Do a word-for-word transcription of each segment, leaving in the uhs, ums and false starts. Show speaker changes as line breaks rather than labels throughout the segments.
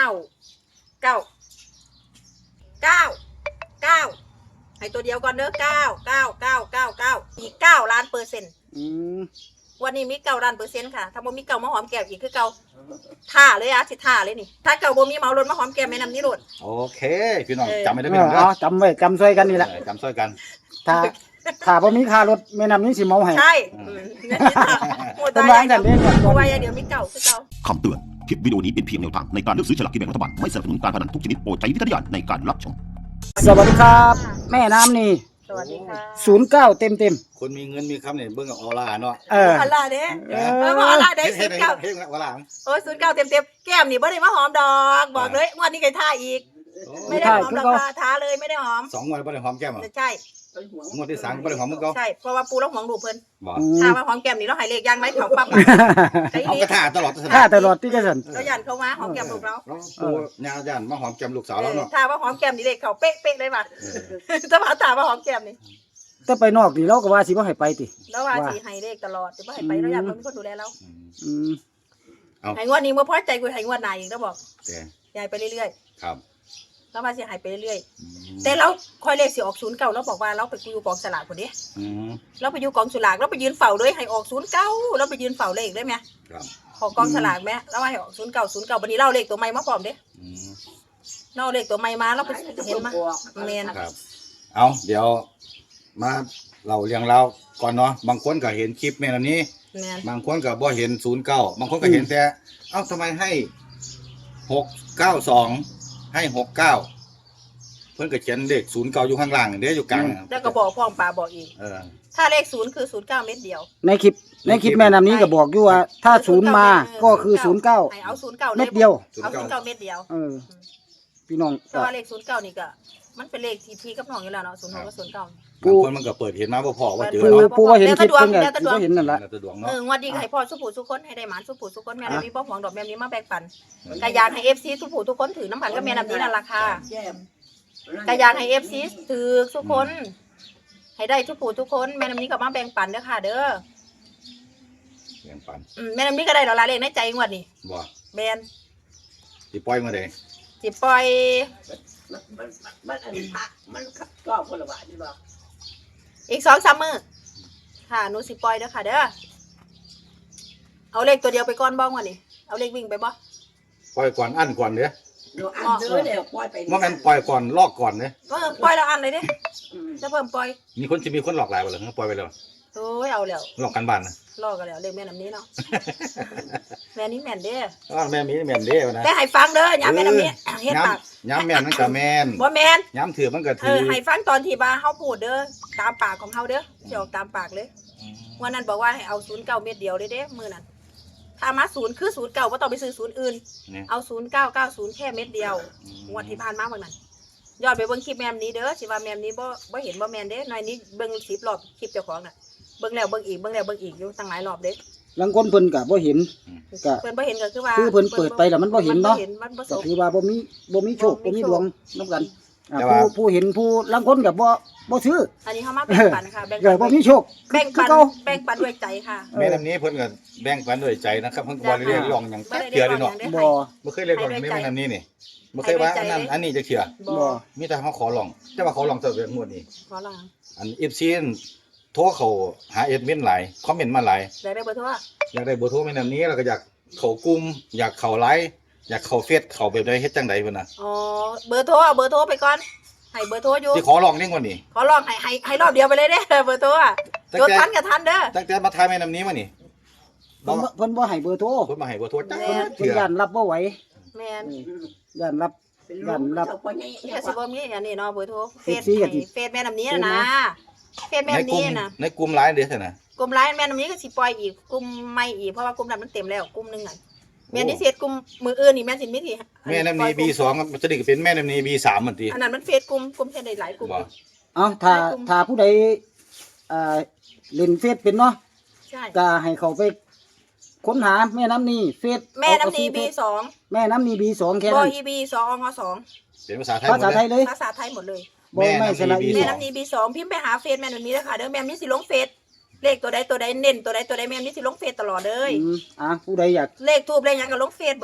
เก้าเก้าเก้าให้ตัวเดียวก่อนเด้อเก้าเก้าเก้าเก้าเก้าอีกเก้าล้านเปอร์เซ็นต์วันนี้มีเก้าล้านเปอร์เซ็นต์ค่ะถ้าบ่มีเก้ามาหอมแก้มอีกคือเก้าท่าเลยอะสิท่าเลยนี่ถ้าเก้าบ่มีเมารถมาหอมแก้มแม่น้ำนี้รถ
โอเคพี่น้องจำไม่ได้พี่น้อง
อ๋อจำไว้จำช่วยกันนี่แหละ
จำช่วยกัน
ถ้าถ้าบ่มีค่ารถแม่น้ำนี้สิเมาให้
ใช่
โหดตายอย่างเดียว
โอ้ยเดี๋ยวมีเก้าคือเก้า
คำเตือนคลิปวิดีโอนี้เป็นเพียงแนวทางในการเลือกซื้อฉลากกินแบ่งรัฐบาลไม่สนับสนุนการพนันทุกชนิดโปรดใช้วิจารณญาณในการรับชม
สวัสดีครับแม่น้ำนี่
สวัสดีค่ะ
ศูนย์เก้าเต็มเต็ม
คนมีเงินมีคำเนี่ยเบิ่งกับออร่าเนาะ
เออ
ออร่าเด้เออออร่าเด้ศูนย์เก้า
เฮ้ยออร่า
โอ้ยศูนย์เก้าเต็มเต็มแก้มนี่บ่ได้มาหอมดอกบอกเลยวันนี้ไก่ท่าอีกไม่ได้หอมดอกท้าเลยไม่ได้หอม
สองวันบ่ได้หอมแก้มอ่ะ
ใช่
งวดที่สามบ่ได้หอมมึงก็
ใช่เพราะว่าปูแล้วหอมดูเพิ่น
บ่
ถ้าว่าหอมแก้มนี่เราหายเลขย่างไหมเขาปั๊บ
เอากระถาตลอด
ท่าตลอดที่กระสัน
เรายันเขามาหอมแก้มลูกเรา
ปูญาญามาหอมแก้มลูกสาวแล้วเนาะ
ถ้าว่าหอมแก้มนี่เลขเขาเป๊ะเป๊ะเลยป่ะถ้าว่าถ้าว่าหอมแก้มนี่
ถ้าไปนอกนี่เราก็ว่าสิบ่ให้ไปติ
แล้วว่าสิให้เลขตลอดจะบ่ให้ไปเราอยากมีคนดูแลเรา
อืม
เอาให้งวดนี้บ่พอใจกูให้งวดหน้าอีกแล้วบอกยายไปเรื่อย
ๆครับ
แล้วมาสิหายไปเรื่อยๆแต่เราคอยเลขสิออกศูนย์เก้าเราบอกว่าเราไปอยู่กองสลากคนนี้เราไปอยู่กองสลากเราไปยืนเฝ้าเลยให้ออกศูนย์เก้าเราไปยืนเฝ้าเลขได้ไหมของกองสลากไหมแล้วให้ออกศูนย์เก้าศูนย์เก้าวันนี้เราเลขตัวใหม่มาพร้อมเด้เราเลขตัวใหม่มาเราไปเห็นมาเมน
ครับเอาเดี๋ยวมาเราเรียงเราก่อนเนาะบางคนก็เห็นคลิปแม่นนี้บางคนก็บ่เห็นศูนย์เก้าบางคนก็เห็นแต่เอ้าทำไมให้หกเก้าสองให้หกเก้าเพิ่นก็เขียนเลขศูนย์เก้าอยู่ข้างล่างเด้อยู่กลาง
แล้วก็บอกพ่องปลาบอกอีกถ้าเลขศูนย์คือศูนย์เก้าเม็ดเดียว
ในคลิปในคลิปแม่น้ำนี้ก็บอกอยู่ว่าถ้าศูนย์มาก็คือศูนย์เก้า
เอาศูนย์เก้า
เม็ดเดียว
เอาศูนย์เก้าเม็ดเดียว
เออพี่น้อง
แต่ว่าเลขศูนย์เก้านี่ก็มันเป็นเลขที่พี่กับน้องอยู่แล้วเนาะศูนย์หกกับศูนย์เก้า
บางคนมันก็เปิดเห็นมาบ่พอว่าเจอ
เนาะปูว่าเห็นคลิปเพิ่นก็เห็นนั่นแหละ
เออวันดีให้พ่อสุผู้สุคนให้ได้หมานสุผู้สุคนแม่น้ำนี้บ่หวงดอกแม่นี้มาแบ่งปันกะอยากให้ เอฟ ซี สุผู้ทุกคนถือน้ำผันกับแม่น้ำนี้นั่นราคากะอยากให้ เอฟ ซี ถือทุกคนให้ได้ทุกผู้ทุกคนแม่น้ำนี้ก็มาแบ่งปันเด้อค่ะเด้อ
แบ่งปัน
อืมแม่น้ำนี้ก็ได้ดอกละเลขในใจงวดนี้
บ่
แม่น
สิปล่อยมาได้
สิปล่อย
มันมันมันอันนี้มันก็คนละบาทนี่บ่
อีกสองสามมื้อค่ะหนูสิปล่อยเด้อค่ะเด้อเอาเลขตัวเดียวไปก่อนบ้างวะนี่เอาเลขวิ่งไปบ่
ปล่อยก่อนอั้นก่อนเด้อ
เดี๋ยวอันเด้อเดี๋ยวปล่อยไป
บ่แม่นปล่อยก่อนลอกก่อนเด้อ
เออปล่อยแล้วอันเลยเด้จะเพิ่มปล่อย
มีคนสิมีคนหลอกหลายบ่ล่ะปล่อยไปแล้ว
โอ้ยเอาแล้ว
หลอกกันบ้านนะ
หลอกกันแล้วเลขแม่น้ำนี้เนาะแม่นี้แม่นเด้อ
อ๋อแม่มีแม่นเด้อนะ
แต่ให้ฟังเด้อยามแม่น้ำนี้เฮ็ดปาก
ยามแม่นมันก็แม่น
บ่แม่น
ยามถือมันก็ถือ
เออให้ฟังตอนที่ว่าเฮาพูดเด้อตามปากของเฮาเด้อสิออกตามปากเลยวันนั้นบอกว่าให้เอาศูนย์เก้าเม็ดเดียวเลยเด้มื้อนั้นถ้ามาศูนย์คือศูนย์เก้าบ่ต้องไปซื้อศูนย์อื่นเอาศูนย์เก้าเก้าศูนย์แค่เม็ดเดียวงวดที่ผ่านมาวันนั้นยอดไปเบิ่งคลิปแม่มนี้เด้อสิว่าแม่มนี้บ่บ่เห็นบ่แม่นเด้หน่อยนี้เบิ่งสิบรอบคลิปเจ้าของน่ะเบิ่งแล้วเบิ่งอีกเบิ่งแล้วเบิ่งอีกอยู่ตั้งหลายรอบเด้
บางคนเพิ่นก็บ่เห็น
ก็เพิ่นบ่เห็นก็คือว่า
คือเพิ่นเปิดไปแล้วมันบ่เห็นเนาะก็คือว่าบ่มีบ่มีโชคบ่มีดวงนำกันผู้ผู้เห็นผู้ลางคนก็บ่บ่ซื้อ
อันนี้เฮามาแบ่งปันค่ะ
แบ่งปันบ่มีโชค
แบ่งปันแบ่งปันด้วยใจค่ะ
แม่น้ำนี้เพิ่นก็แบ่งปันด้วยใจนะครับเพิ่นบ่ได้เรียกร้องหยังเทื่อเลยเนาะ
บ่
บ่เคยเรียกร้องแม่น้ำนี้นี่บ่เคยว่าอันนั้นอันนี้จะเทื่อ
บ่
มีแต่เฮาขอร้องแต่ว่าขอร้องแต่งวดนี้
ขอร้อง
อัน เอฟ ซี โทรเข้าหาเอดมินหลายคอมเมนต์มาหลาย
อยากได้เบอร์โทร
อยากได้เบอร์โทรแม่น้ำนี้แล้วก็อยากเข้ากลุ่มอยากเข้าไลน์อยากเข้าเฟซเข้าแบบใดเฮ็ดจังได๋เพิ่นน่ะ
อ๋อเบอร์โทรเอาเบอร์โทรไปก่อนให้เบอร์โทรอยู่
สิขอร้องเด้งวันนี้
ขอร้องให้ให้ให้รอบเดียวไปเลยเด้เบอร์โทรอ่ะจดทันกับทันเด้อ
ตั้งแต่มาทายแม่น้ำนี้มานี่
เพิ่นเพิ่นบ่ให้เบอร์โทร
เพิ่นมาให้เบอร์โทรจัง
เพิ่นย่านรับบ่ไหว
แม่น
ย่านรับย่านรับ
แค่สิบ่มีอันนี้เนาะเบอร์โทรเฟซเฟซแม่น้ำนี้นะเฟซแม่น้ำนี้นะ
ในกลุ่มไลน์เด้อซั่นน่ะ
กลุ่มไลน์แม่น้ำนี้ก็สิปล่อยอีกกลุ่มใหม่อีกเพราะว่ากลุ่มนั้นมันเต็มแล้วกลุ่มนึงน่ะแม่นี่เฟซกลุ่มมืออื่นนี่แม่สิมีที่
แม่น้ำนี้ บี สอง มันจะได้เป็นแม่น้ำนี้ บี สามเหมือนติ
อันนั้นมันเฟซกลุ่มกลุ่มแค่ได้หลายกลุ่ม
เอ้าถ้าถ้าผู้ใดเอ่อเล่นเฟซเป็นเนาะ
ใช่
ก็ให้เขาไปค้นหาแม่น้ำนี้เฟซ
แม่น้ำนี้ บี สอง
แม่น้ำนี้ บี สองแค่นั้น
บ่ อี บี สอง อ สอง
เป็นภาษาไทย
ภาษาไทยเลย
ภาษาไทยหมดเลย
บ่ไม่สระอี
แม่น้ำนี้ บี สอง พิมพ์ไปหาเฟซแม่น้ำนี้เด้อค่ะเด้อแม่นี้สิลงเฟซเลขตัวใดตัวใดเน้นตัวใดตัวใดแม่นี้สิลงเฟซตลอดเลย
อ่ะผู้ใดอยาก
เลขทูบเลขหยังก็ลงเฟซเบิด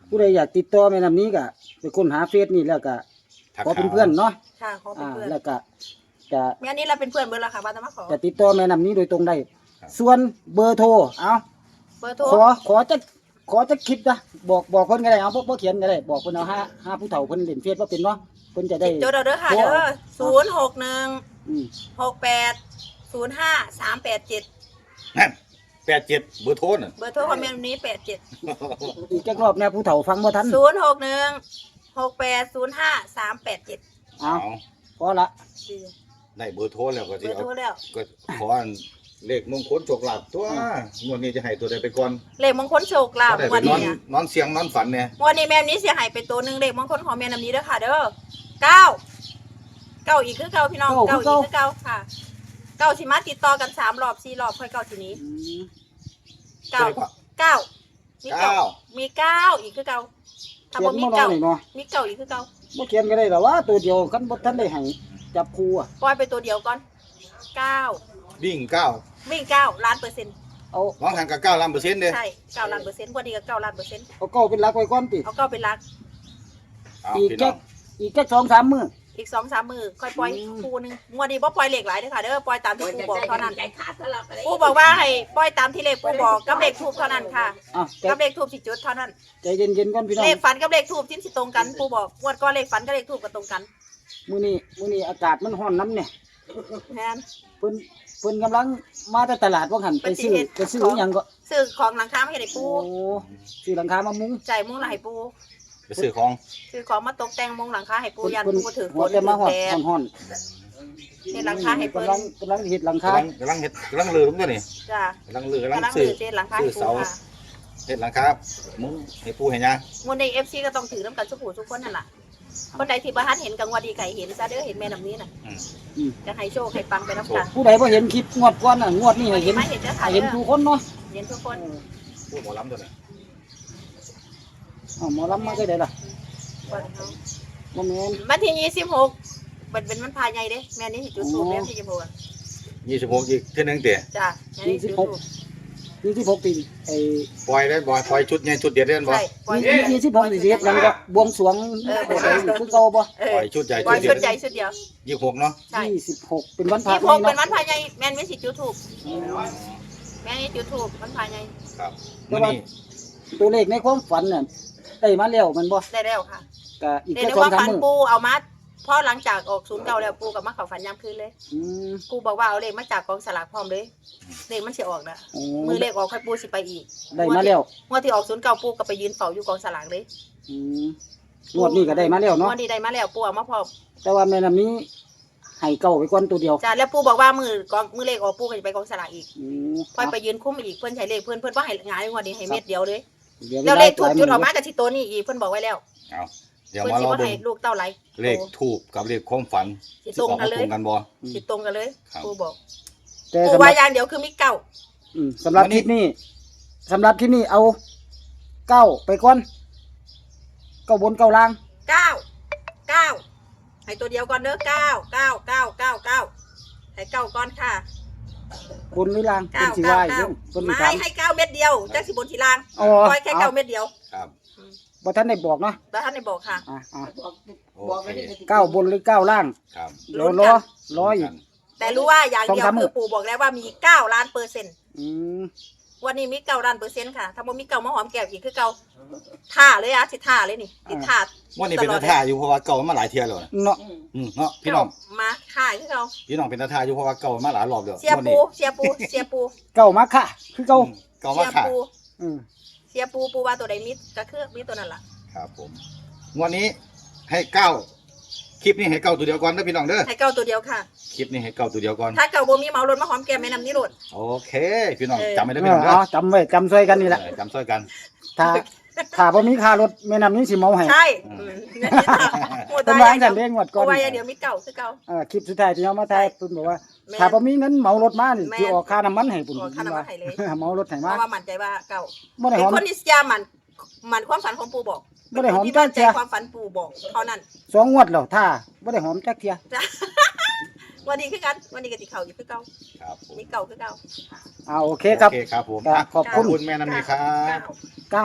ผู้ใดอยากติดต่อแม่น้ำนี้ก็ไปค้นหาเฟซนี่แล้วก็
ทัก
ขอเป็นเพื่อนเนาะ
ค่ะขอเป็น
อ่า
เพื่อน
แล้วก็จะ
แม่นี้เราเป็นเพื่อนเบอร์ละค่ะบ้านตะมาขอ
จะติดต่อแม่น้ำนี้โดยตรงได้ส่วนเบอร์โทรเอา
เบอร์โทร
ขอขอจะขอจะคลิปนะบอกบอกเพิ่นก็ได้เอาบ่บ่เขียนก็ได้บอกเพิ่นเอาห้าห้าผู้เฒ่าเพิ่นเล่นเฟซบ่เป็นเนาะเพิ่นจะได้
โจเด้อค่ะเด้อศูนย์หกหนึ่ง
อืม
หกแปดศูนย์ห้าสามแปดเจ็ด
นั่นแปดเจ็ดเบอร์โทรน่ะ
เบอร์โทรคอมเมนต์นี้แปดเจ็ด
อีกจักรอบแน่ผู้เฒ่าฟังบ่ทัน
ศูนย์หกหนึ่งหกแปดศูนย์ห้าสามแปดเจ็ด
เอา
เอา
พอละ
ได้เบอร์โทรแล้วก็
เบ
สิ
อร์
เอา
โทรแล้ว
ก็ขออันเลขมงคลโชคลาภตัวงวดนี้จะให้ตัวใดไปก่อน
เลขมงคลโชคลาภ
ได้
ง
ไป
วัน
นอน
นี้
นอนเสียงนอนฝันเนี่ย
งวันนี้แม่นี้เสียหายไปตัวหนึ่งเลขมงคลของแม่น้ำนี้เด้อค่ะเด้อเก้าเก้าอีกคือเก้าพี่น้องเก้าอีกคือเก้าค่ะเก้าสิมาติดต่อกันสามรอบสี่รอบค่อยเก้าทีนี้
อืม
เก้าเก้ามีเก้า
เก้า
มีเก้าอีกคือเก้าถ้า
เขีย
บ่
น
มี
บ่รอ
เก้า
หน่อยเนาะ
มีเก้าอีกคือเก้า
บ่เขียนก็ได้หรอว่าตัวเดียวคันบ่ทันได้ให้จับคู่อ่ะ
ปล่อยไปตัวเดียวก่อนเก้า
วิ่งเก้า
วิ่งเก้าล้านเปอร์เซ็นต์
เอา
น้องทางกับเก้าล้านเปอร์เซ็นต์เด้
ใช่เก้าล้านเปอร์เซ็นต์วันนี้ก็เก้าล้านเปอร์เซ็นต์
เอาเก้าเป็นหลักไว้ก่อนติ
เอาเก้าเป็นหลัก
เอา
อีก
พี่
แค่
น้อง
อีกแค่สองสามมื้อ
อีกสองสามมือค่อยปล่อย
อืม
คู่หนึงงวดนี้บ่ปล่อยเลขหลายเด้อค่ะเด้อปล่อยตามที่
มัน
ปู
จะ
บอก
ได้
เท่านั้น
ใจขาดตลอดไปเลย
ปูบอกว่าให้ปล่อยตามที่เลขปูบอกกับเลขทูบเท่านั้นค่ะ
อ่ะใจ
กับเลขทูบสิจุดเท่านั้น
ใจเย็นๆก่อนพี่น้อง
เลขฝันกับเลขทูบที่สิตรงกันปูบอกงวดก่อนเลขฝันกับเลขทูบก็ตรงกัน
มื้อนี้มื้อนี้อากาศมันร้อนน้ำเนี่ย
แม่น
เพิ่นเพิ่นกำลังมาแต่ตลาดว่าหั่นไปซื้อ
ไปสิเฮ็ด
ไปซื้ออหยังก็
ซื้อของหลังคามาให้ได้ปู
โอ้ซื้อหลังคามามุง
ใจายมุ้งหลายปู
ไปซื้อของ
ซื้อของมาตกแต่งมุ้งหลังคาให้ปู
เพิ่น
ยัน
เพิ่น
ปูถือฝ
หัวน แต่
ถื
มา
อ
ฮอด
แดด
ฮ้อน
เฮ็ดหลังคาให้เพิ่น
กำลังกำลังเฮ็ดหลังคาก
ำลังกำลังเฮ็ดกำลังลือผมตัวนี่
จ้าก
ำลังลือกำลัง
กำลัง
ซื้
ถื
อ
อเฮ็ดหลังคาให้
ซื้อ
ปู
เสา
ค่ะ
เฮ็ดหลังคามุ้งให้ปูให้ยาง
งวดนี้ เอฟ ซี ก็ต้องถือน้ำกันสุขูทุกคนนั่นล่ะคนใดที่บ่ทันเห็นกังวดดีไก่เห็นซะเด้อเห็นแม่น้ำนี้น่ะ
อืม
จะให้โชคให้ปังไปน้ำกัน
ผู้ใดบ่เห็นคลิปงวดก่อนน่ะงวดนี้ให้เห็น
ไม่เห็นจะ
ให้
ถ่าย
เห็นทุกคนเนาะ
เห็นทุกคน
ปูหมอลำตัวนี้
อ้าวหมอลำมาได้ไดล่ะ
วันเขา
บ่แม่น
วันที่ยี่สิบหกเป็นเป็นวันพายใหญ่เด้แม่นี่สิจุดทูบเด้ที่ยี่สิบหกอะ
ยี่สิบหกอีกเท่านึงเตะ
จ้าแม่นี่จุดทูบ
ยี่สิบหกปีไอ้
ปล่อยได้บ่ปล่อยชุดใหญ่ชุดเดียวได้บ่
ใช่ปล่อย
ยี่ยี่สิบหกสิเฮ็ดหยังก็บวงสรวง
เออ
บ่ได้คือเก่าบ่
เอ
ปล่
อ
อยชุดใหญ่
ปล่อย
ชุ
ชุ
ด
ด
เดี
ใหญ่
ยว
ชุดเดียว
ยี่สิบหกเนาะ
ใช่
ยี่สิบหกเป็นวันพระ
ยี่สิบหก
ใหญ่
เป็นวั
เนาะ
นพายใหญ่แม่นี่สิจุดทูบแม่นี่จุดทูบวันพายใหญ่
ครับ
แต่
มื้อ
ว่า
นี้
ตัวเลขในความฝันน่ะได้มาแล้วแมันบ่
ได้แล้วค่ะ
ก็อีก
ใน
แค่
ใน
สอง
ว่า
สาม
ฝัน
มื้อ
ปูเอามาพอหลังจากออกศูนย์เก่าแล้วปูกับมาเขาฝันยามคืนเลย
อืม
ปูบอกว่าเอาเลขมาจากกองสลากพร้อมเลยเลขมันสิออกนะ
โอ้
มือเลขออกค่อยปูสิไปอีก
ได้มาแล้ว
งวดที่ออกศูนย์เก่าปูก็ไปยืนเฝ้าอยู่กองสลากเลย
อืมงวดนี้ก็ได้มาแล้ว
ง
เนาะ
วดนี้ได้มาแล้วปูเอามาพร้อม
แต่ว่าแม่น้ำนี้ให้เก่าไปก่อนตัวเดียว
จ้าแล้วปูบอกว่ามือกองมือเลขออกปูก็จะไปกองสลากอีก
อืม
ค่อยไปยืนคุ้มอีกเพื่อนใช้เลขเพื่อนเพื่อนว่าให้งานงวดนี้ให้เม็ดเดียวเลย
ดี๋ย
แล้วเลขถูก
หาย
จุดออก
มื้
มากับชิโตวนี่อีกเพื่อนบอกไว้แล้ว
เอาเดี๋ยว
เพื่อน
มา
สิ
รอ
ว่า
เบิ่
ให้
ง
ลูกเต้าไหล
เลขทูบกับเลขความฝัน
สิ
สิ
ตรง
ออก
กัน
มา
เล
ตร
ย
งกันบ่
สิตรงกันเลย
ครับ
ปูบอก
แต่
ปู
สำห
ว่า
รับ
อย่างเดียวคือมีเก้า
อืมสำหรับคลิปนี้สำหรับคลิปนี้เอาเก้าไปก่อนเก้าบนเก้าล่าง
เก้าเก้าให้ตัวเดียวก่อนเด้อเก้าเก้าเก้าเก้าเก้าให้เก้าก่อนค่ะ
บนหรือล่างเป็
เก้าน
สี
เก้า
วาย
เก้า
เพิ่นมี
ไม่
ถาม
ให้เก้าเม็ดเดียวจักสิบนสีลาง
อ๋อ
ปล่อยแค่เก้าเม็ดเดียว
ครับ
บ่ทันได้บอกเนาะ
แล้วท่านได้บอกค่ะ
อ่ะอ่ะ
บอก
โอ
บอก
เค
ไม่ได้
เก้าบนหรือเก้าล่าง
ครับ
เดี๋ยวรอรออีก
แต่รู้ว่าอย่างเดียว
สองสามหมื่
คือน ปู่บอกแล้วว่ามีเก้าล้านเปอร์เซ็นต์
อืม
วันนี้มีเก้าล้านเปอร์เซ็นต์ค่ะถ้าบ่มีเก้ามาหอมแก้วอีกคือเก้าท่าเลยอะสิท่าเลยนี่ติดท่า
วันนี้เป็นตาท่าอยู่เพราะว่าเก่ามาหลายเที่ยแล้วนะ
เนาะ
อืมเนาะพี่น้อง
มาท่าคือเก้า
พี่น้องเป็นตาท่าอยู่เพราะว่าเก่ามาหลายรอบแล้ว
เสีย
วัน
ปู
นี้
เสียปูเสียปู
เก้ามาค่ะ คือเก้า
อืมเก่ามา
เสีย
ค่ะ
ปู
อืม
เสียปูปูว่าตัวใดมิดก็คือมีตัวนั้นล่ะ
ครับผมวันนี้ให้เก้าคลิปนี้ให้เก้าตัวเดียวก่อนเด้อพี่น้องเด้อ
ให้เก้าตัวเดียวค่ะ
คลิปนี้ให้เก้าตัวเดียวก่อน
ถ้าเก้าบ่มีเหมารถมาหอมแก้มแม่น้ำนี่รถ
โอเค พี่น้อง
เออ
จำไม่ได้
เอ
พี่น้
อ
องเด้อ
เอาจำไว้จำซอยกันนี่แหละ
เออจำซ้อยกัน
ถ้าถ้าบ่มีค่ารถแม่น้ำนี้สิเมาให้
ใช่
อืม
อืมนี่ค่ะหมด
เป็น
ตา
ว่า
อย่าง
จั
เดียว
นเด้งวดก่
ปู
อน
ว่าอย่างเดียวมีเก้าคือเก้า
เอ่าคลิปสุดท้ายที่เอามาถ่ายเพิ่นบอกว่า
แม่
ถ้าบ่มีเงินเหมารถมานี่
แม่
สิออกค่าน้ำมันให้ปุ่น
ออกค่าน้ำมันให้เลย
เหมารถให้
เพ
มา
ราะว่ามั่นใจว่าเก้า
บ่ได้
เป็
ห
น
อม
คนที่เสียมันมันความฝันของปู่บอก
บ่ได้หอม
เป็นคนที่
จ้า
มั่นใจ
เจีย
ความฝันปู่บอกเท่านั้น
สองงวดแล้วถ้าบ่ได้หอมจักเที่ย
จ้ะ วันนี้คือกันวันนี้ก็ติเขาอยู่คือเก่า
ครับผม
มีเก่าคือเก่า
อ่าโอเคครับ
โอเคครับผม
ครับขอบคุณ
ขอบคุณแม่น้ำนี้ครับ
เก้า
เก้า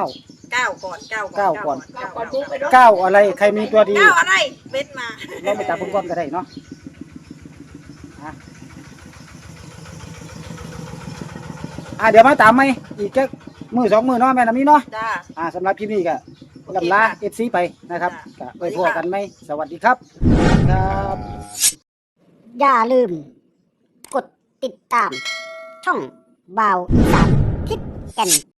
เก้าก่อนเก้า
เก้าก่อน
เก้า
ก่
ก่
อ
อน น
ทุกไปด้วย
เก้าอะไรใครมีตัวดี
เก้าอะไรเว้นมา
เราไปตามเพิ่นก่อนก็ได้เนาะอ่ะอ่ะเดี๋ยวมาตามไหมอีกแค่มือสองมือเนาะแม่น้ำนี้เนาะ
จ้า
อ่าสำหรับคลิปนี้ก็ลำลา เอฟ ซี ไปนะครับก็ไปพบกันไหมสวัสดีครับครับ
อย่าลืม กดติดตาม ช่องบ่าวอีสานทิศแก่น